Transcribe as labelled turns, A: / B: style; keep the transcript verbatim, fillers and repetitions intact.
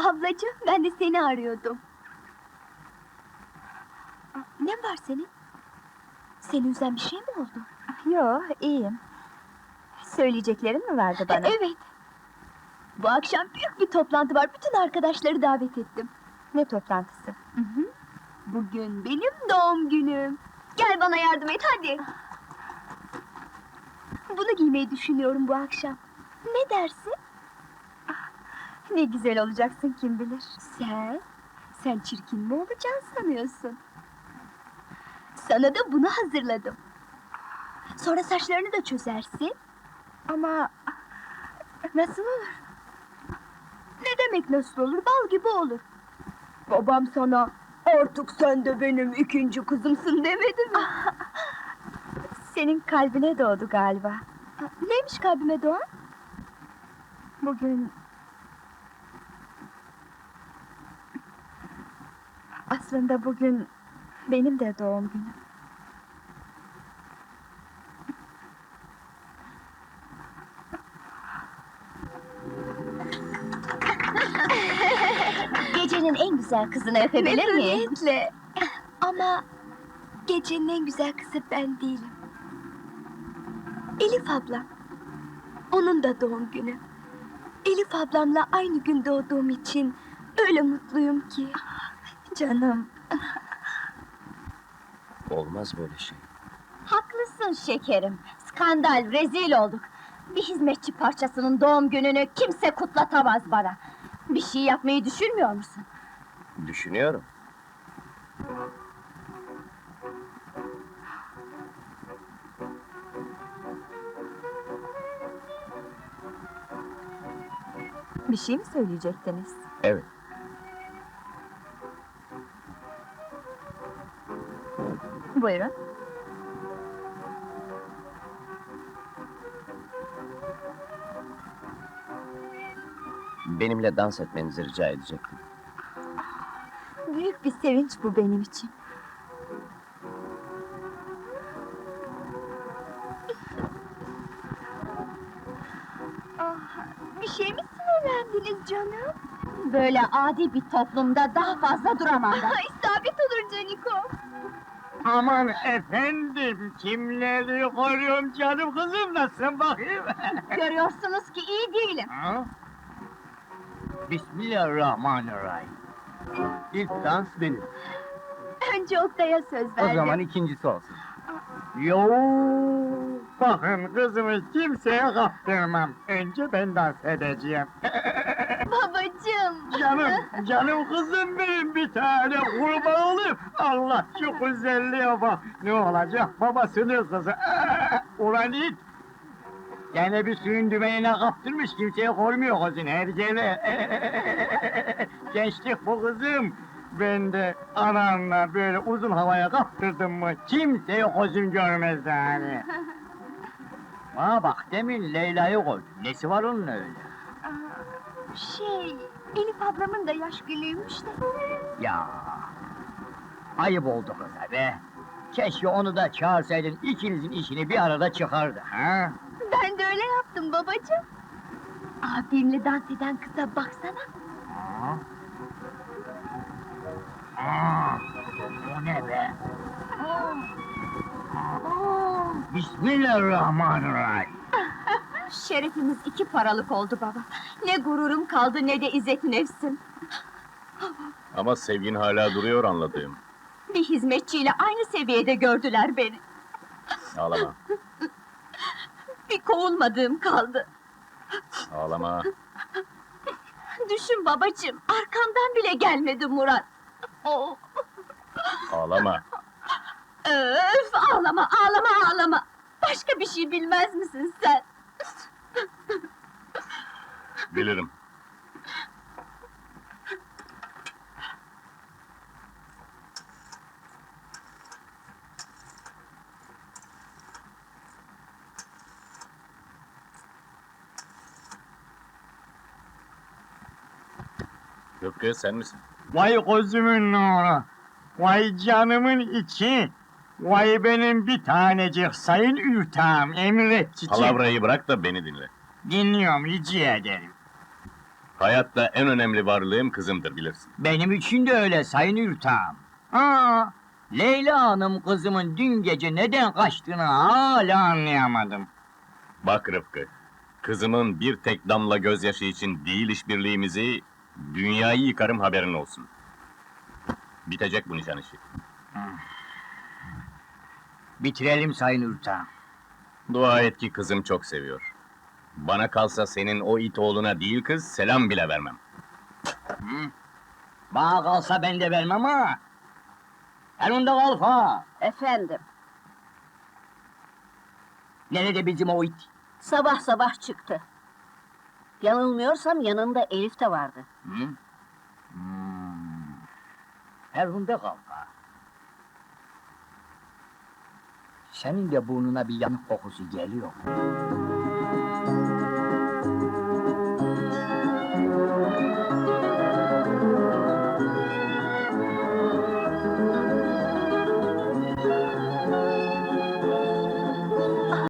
A: Ablacığım, ben de seni arıyordum. Ne var senin? Seni üzen bir şey mi oldu?
B: Yo, iyiyim. Söyleyeceklerin mi vardı bana?
A: Evet. Bu akşam büyük bir toplantı var, bütün arkadaşları davet ettim.
B: Ne toplantısı?
A: Hı hı. Bugün benim doğum günüm. Gel bana yardım et, hadi! Bunu giymeyi düşünüyorum bu akşam. Ne dersin?
B: Ne güzel olacaksın kim bilir.
A: Sen? Sen çirkin mi olacaksın sanıyorsun? Sana da bunu hazırladım. Sonra saçlarını da çözersin.
B: Ama nasıl olur?
A: Ne demek nasıl olur? Bal gibi olur. Babam sana artık sen de benim ikinci kızımsın demedi mi?
B: Senin kalbine doğdu galiba.
A: Neymiş kalbime doğan?
B: Bugün... Aslında bugün benim de doğum günüm.
A: Gecenin en güzel kızını öpebilir miyim? Memnuniyetle. Ama gecenin en güzel kızı ben değilim. Elif ablam. Onun da doğum günü. Elif ablamla aynı gün doğduğum için öyle mutluyum ki.
B: Canım,
C: Olmaz böyle şey.
D: Haklısın şekerim. Skandal, rezil olduk. Bir hizmetçi parçasının doğum gününü kimse kutlatamaz bana. Bir şey yapmayı düşünmüyor musun?
C: Düşünüyorum.
B: bir şey mi söyleyecektiniz?
C: Evet.
B: Buyurun.
C: Benimle dans etmenizi rica edecektim.
B: Büyük bir sevinç bu benim için.
A: Bir şey mi sinirlendiniz canım?
D: Böyle adi bir toplumda daha fazla duramam ben.
A: İsabet olur Caniko.
E: Aman efendim, kimleri koruyorum canım kızım, nasılsın bakayım?
D: Görüyorsunuz ki iyi değilim.
E: Ha? Bismillahirrahmanirrahim. İlk dans benim,
A: Önce Oktay'a söz
E: o
A: verdim.
E: zaman ikincisi olsun. Yo, bakın kızımı kimseye kaptırmam. Önce ben dans edeceğim.
A: Babacığım.
E: Canım, canım kızım benim, bir tane kurban olayım. Allah şu güzelliğe bak. Ne olacak babasının kızı. Ulan it! Gene bir suyun dümenine kaptırmış, kimseye koymuyor kızın her gene. Gençlik bu kızım. Ben de anamla böyle uzun havaya kaptırdım mı, kimseye gözüm görmez yani. Bana bak, demin Leyla'yı koy. Nesi var onun öyle?
A: Şey, Elif ablamın da yaş günüymüş de.
E: Ya, ayıp oldu kıza be. Keşke onu da çağırsaydın, ikinizin işini bir arada çıkardı, ha?
A: Ben de öyle yaptım babacığım. Abimle dans eden kıza baksana.
E: Aa, Aa, o ne be? Aa, Bismillahirrahmanirrahim.
D: Şerefimiz iki paralık oldu baba. Ne gururum kaldı ne de izzet nefsim.
C: Ama sevgin hala duruyor anladığım.
D: Bir hizmetçiyle aynı seviyede gördüler beni.
C: Ağlama,
D: Bir kovulmadığım kaldı.
C: ağlama.
D: Düşün babacığım, arkamdan bile gelmedi Murat. Oh,
C: Ağlama.
D: öf, ağlama, ağlama, ağlama. Başka bir şey bilmez misin sen?
C: Bilirim. Rıfkı sen misin?
E: Vay gözümün nuru, vay canımın içi, vay benim bir tanecik sayın ürtağım, emret çiçek.
C: Palavrayı bırak da beni dinle.
E: Dinliyorum, rica ederim.
C: Hayatta en önemli varlığım kızımdır bilirsin.
E: Benim için de öyle sayın Ürtağım. Aa, Leyla Hanım kızımın dün gece neden kaçtığını hala anlayamadım.
C: Bak Rıfkı, kızımın bir tek damla gözyaşı için değil işbirliğimizi, dünyayı yıkarım haberin olsun. Bitecek bu nişan işi.
E: Bitirelim sayın Ürtağım.
C: Dua et ki kızım çok seviyor. Bana kalsa senin o it oğluna değil kız, selam bile vermem.
E: Bana kalsa ben de vermem ha. Elinde kalfa.
D: Efendim,
E: Nerede bizim o it?
D: sabah sabah çıktı. Yanılmıyorsam yanında Elif de vardı.
E: Hı? Hmm. Elinde kalfa. Senin de burnuna bir yanık kokusu geliyor.